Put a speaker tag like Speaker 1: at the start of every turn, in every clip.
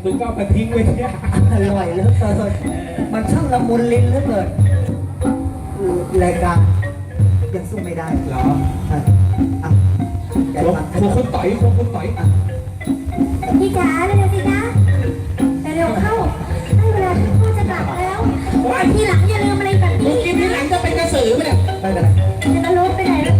Speaker 1: มึงก็เอามาทิ้งไว้เนี่ย
Speaker 2: อร่อยเหลือเกินมันช่างละมุนลิ้นเหลือเกินรายการยังสู้ไม่ได้
Speaker 1: เหรอ
Speaker 2: อ่ะอ่ะแก
Speaker 1: ค
Speaker 2: ฟัง
Speaker 1: งคุณต่อยคงคุณต่อยอ่ะ
Speaker 3: พี่จ๋าเร็วๆสิจ๊ะแต่เร็วเข้าให้เวลาที่พ่อจะกลับแล้วทีหลังอย่าลืมอะไรแบบ
Speaker 1: มึ
Speaker 3: นี้
Speaker 1: งกินที่หลังจะเป็นกระสือไหมเนี่ย
Speaker 2: ไม่เป็นไร
Speaker 3: จะตะลุไปไหนแล้ว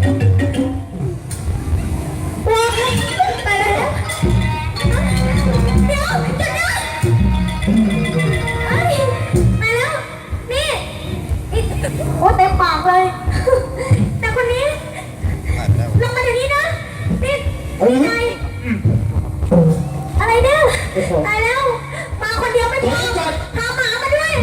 Speaker 3: ว้าวไปแล้วเดี๋ยวหยุดนะเอ้ยมาแล้วนี่โอ้เต็มปากเลยแต่คนนี้ลงมาเดี๋ยวนี้นะนี่ไงอะไรเนี่ยตายแล้วมาคนเดียวไม่พอพาหมามาด้วย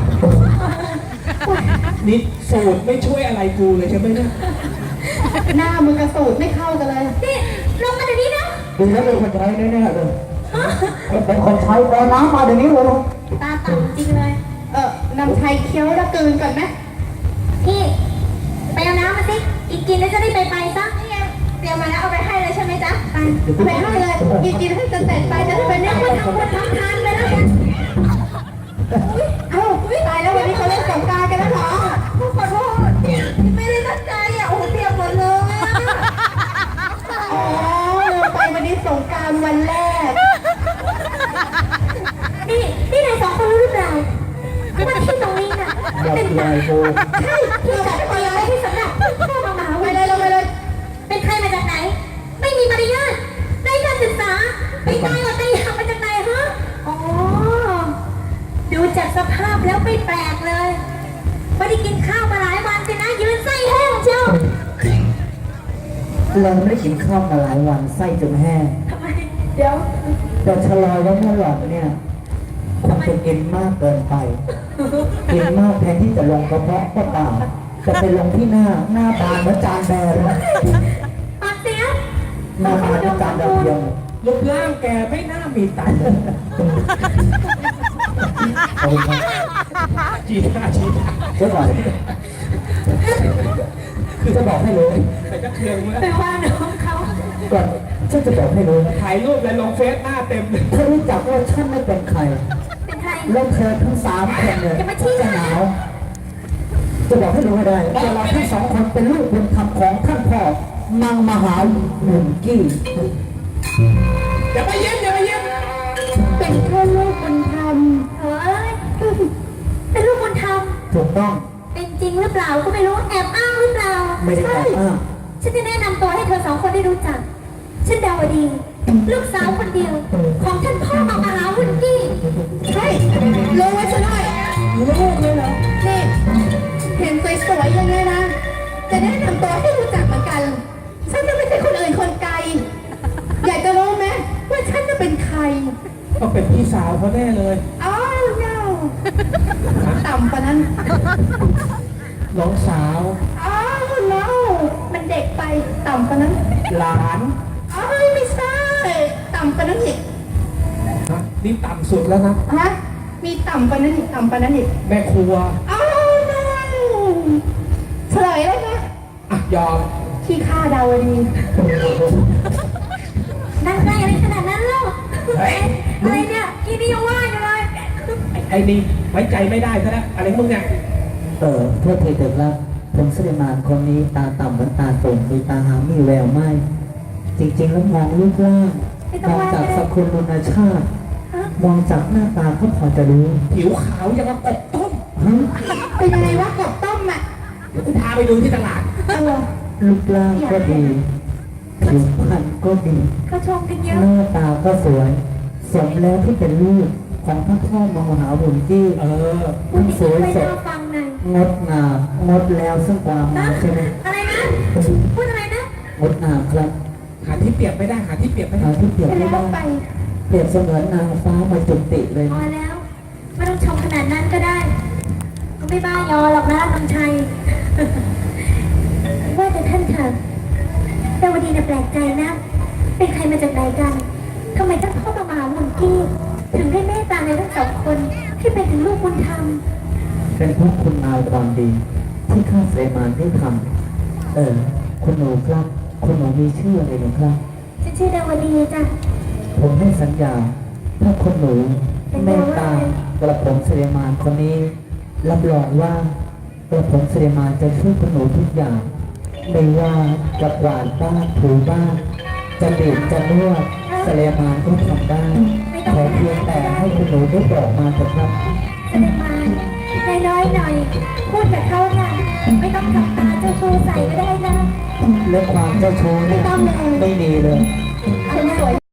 Speaker 1: นี่สูตรไม่ช่วยอะไรกูเลยใช่ไหมเนี่ย
Speaker 4: หน้ามึงกับสูตรไม่เข้ากันเลย
Speaker 3: นี่ลงมาเดี๋ยวนี้นะ
Speaker 2: ดูแล้วเป็นคนใช้แน่ๆเลยเป็นคนใช้เอาน้ำมาเดี๋ยวนี้เลย
Speaker 3: ตาต่ำจริงเลย
Speaker 4: นำไทยเคี้ยวแล้วกลืนก่อนไหม
Speaker 3: พี่ไปเอาน้ำมาสิอีกกินแล้วจะได้ไปซะนี่ไงเตรียมมาแล้วเอาไปให้เลยใช่ไหมจ๊ะไป
Speaker 4: ไปให้เลยกินให้จะเสร็จไปจะได้ไปเนี่ย
Speaker 3: คนทำคนทำทานไปแล้วกัน
Speaker 4: เอ้าตายแล้ววันนี้เขาเล่นสงกรานต์กันแล้วเหรอ
Speaker 3: ขอโทษไม่ได้ตั้งใจอ่ะโอ้เตรียมหมดเลย
Speaker 4: อ๋อลืมไปวันนี้สงกรานต์วันแรก
Speaker 3: นี่นายสองคนรู้หรือเปล่าว่าที่ตรงนี้น่ะเป็นใครใช่ที่จัดเตรียมไว้ให้สำหรับพ่อมา
Speaker 4: ไป
Speaker 3: วัน
Speaker 4: เลย
Speaker 3: นี้
Speaker 4: เราไปเลย
Speaker 3: เป็นใครมาจากไหน ไม่มีมารยาทไร้การศึกษาไปตายอดตายอยากมาจากไหนฮะอ๋อดูจากสภาพแล้วไม่แปลกเลยไม่ได้กินข้าวมาหลายวันสินะยืนไส้แห้งเชียว
Speaker 2: เราไม่ได้กินข้าวมาหลายวันไส้จนแห้ง
Speaker 3: ทำไมเดี๋ยว
Speaker 2: แต่ชะลอไว้เมื่อหลอดเนี่ยคงเป็นกินมากเกินไป กินมากแทนที่จะลงกระเพาะก็เปล่าจะไปลงที่หน้าบานเหมือนจานแบนแล้ว
Speaker 3: ปากเสีย
Speaker 2: หน้าบานเหมือนจานดาวเทียม
Speaker 1: รูปร่างแกไม่น่ามีตังค์
Speaker 2: ขอบคุณครับ
Speaker 1: จีน่าจีน่า
Speaker 2: เจ้าก่อนคือจะบอกให้รู้
Speaker 1: แต่ก็เคืองเมื่อ
Speaker 3: ไปว่าน้องเขา
Speaker 2: ก่อนฉันจะบอกให้รู้
Speaker 1: ถ่ายรูปแล้วลงเฟซหน้าเต็มเลย
Speaker 2: ถ้ารู้จักว่าฉันไม่เป็นใคร
Speaker 3: เป็นใคร
Speaker 2: แล้วเธอทั้งสามคนเนี่ยจะหนาวจะบอกให้รู้ให้ได้ว่าเราทั้งสองคนเป็นลูกบุญธรรมของท่านพ่อมังมหาหมุนกี้
Speaker 1: อย่าไปเย็นอย่าไปเย็น
Speaker 4: เป็นแค่ลูกบุญธรรม
Speaker 3: เอ้ยเป็นลูกบุญธรรม
Speaker 2: ถูกต้อง
Speaker 3: เป็นจริงหรือเปล่าก็ไม่รู้แอบอ้างหรือเปล่า
Speaker 2: ไม่ได้แอบอ้าง
Speaker 3: ฉันจะแนะนำตัวให้เธอสองคนได้รู้จัก ฉันดาวดี ลูกสาวคนเดียว ของท่านพ่อมหาวุฒิกี้
Speaker 4: ใช่รู้ไว้ซะหน่อยรู้เลยเหรอนี่เห็นสวยๆอย่างนี้นะ จะแนะนำตัวให้รู้จักเหมือนกัน ฉันจะไม่ใช่คนอื่นคนไกล อยากจะรู้ไหมว่าฉันจะเป็นใคร
Speaker 1: ต้องเป็นพี่สาวเขาแน่เลย
Speaker 4: อ้าวเน่าต่ำกว่านั้น
Speaker 1: น้องสาว
Speaker 4: อ้าวเน่ามันเด็กไป ต่ำกว่านั้น
Speaker 1: หลาน
Speaker 4: อ้าวไม่ใช่ ต่ำกว่านั้นอีก
Speaker 1: นะนี่ต่ำสุดแล้วนะ
Speaker 4: ฮะ มีต่ำกว่านั้นอีก ต่ำกว่านั้นอีก
Speaker 1: แม่ครัว
Speaker 4: อ้าวเน่าเฉลยเลยนะ
Speaker 1: อ่ะยอม
Speaker 4: ขี้ข้าดาวดี
Speaker 3: นั่งได้อะไรขนาดนั้นเล่าอะไรเนี่ยกีนี่ยังว่าอยู่เลย
Speaker 1: ไอ้นี่ไว้ใจไม่ได้ซะแล้วอะไรมึงเนี่ย
Speaker 2: เพื่อเทเด็กละผมสุเลมานคนนี้ตาต่ำเหมือนตาตุ่มมีตาหางมีแววไหมจริงๆแล้วมองรูปร่างมองจากสกุลลุนชาติ มองจากหน้าตาก็พอจะรู้
Speaker 1: ผิวขาวอย่างกับกบต้ม
Speaker 2: ฮะ
Speaker 4: เป็นยังไงวะกบต้มอ่ะ
Speaker 1: เดี๋ยวกูพาไปดูที่ตลาด
Speaker 2: รูปร่างก็ดีผิวพรรณก็ดี
Speaker 3: เขาชมกันเยอะ
Speaker 2: หน้าตาก็สวย สมแล้วที่เป็นลูกของพระพ่อมหาบุญที่
Speaker 3: พูด
Speaker 2: ทั้งสวย
Speaker 3: ไป
Speaker 2: สด
Speaker 3: น่าฟังหน่อย
Speaker 2: งดงามงดแล้วซึ่งความงามใช่ไหม
Speaker 3: อะไรนะ พูดอะไรนะ
Speaker 2: งดงามครับ
Speaker 1: หาที่เปรียบไม่ได้หาที่เปรียบไม่ได้
Speaker 2: หาที่เปรียบ
Speaker 4: ไป
Speaker 2: ไม่
Speaker 4: แล้ว
Speaker 2: ได้
Speaker 4: ไป
Speaker 2: เปรียบเสมือนนางฟ้ามาจุติเลย
Speaker 3: พอแล้ว ไม่ต้องชมขนาดนั้นก็ได้ ก็ไม่บ้ายอหรอกนะน้ำชัย ว่าแต่ท่านค่ะดาวดีน่ะแปลกใจนะ เป็นใครมาจากไหนกันทำไมท่านพ่อมหาวุฒิกี้ถึงได้เมตตาในทั้งสองคนที่เป็นถึงลูกบุญธรรม
Speaker 2: เป็นเพราะคุณงามความดี ที่ข้าเสมานได้ทำคุณหนูครับ คุณหนูมีชื่ออะไรหรือครับ
Speaker 3: ฉันชื่อดาวดีจ้ะ
Speaker 2: ผมให้สัญญาถ้าคนหนูเมตตากระผมเสด็จมารคนนี้รับรองว่ากระผมเสด็จมารจะช่วยคนหนูทุกอย่างไม่ว่าจะกวาดบ้านถูบ้านจะบีบจะนวดเสด็จมารก็ทำได้ขอเพียงแต่ให้คนหนูได้บอกมาเถอะครับ
Speaker 3: เสด็จมาน้อยๆหน่อย พูดกับเขาน่ะไม่ต้องทำตาเจ้าชู้ใส่ก็ได้นะ
Speaker 2: เรื่องความเจ้าชู้เนี่ยไม่มีเลย
Speaker 3: เอาหน้า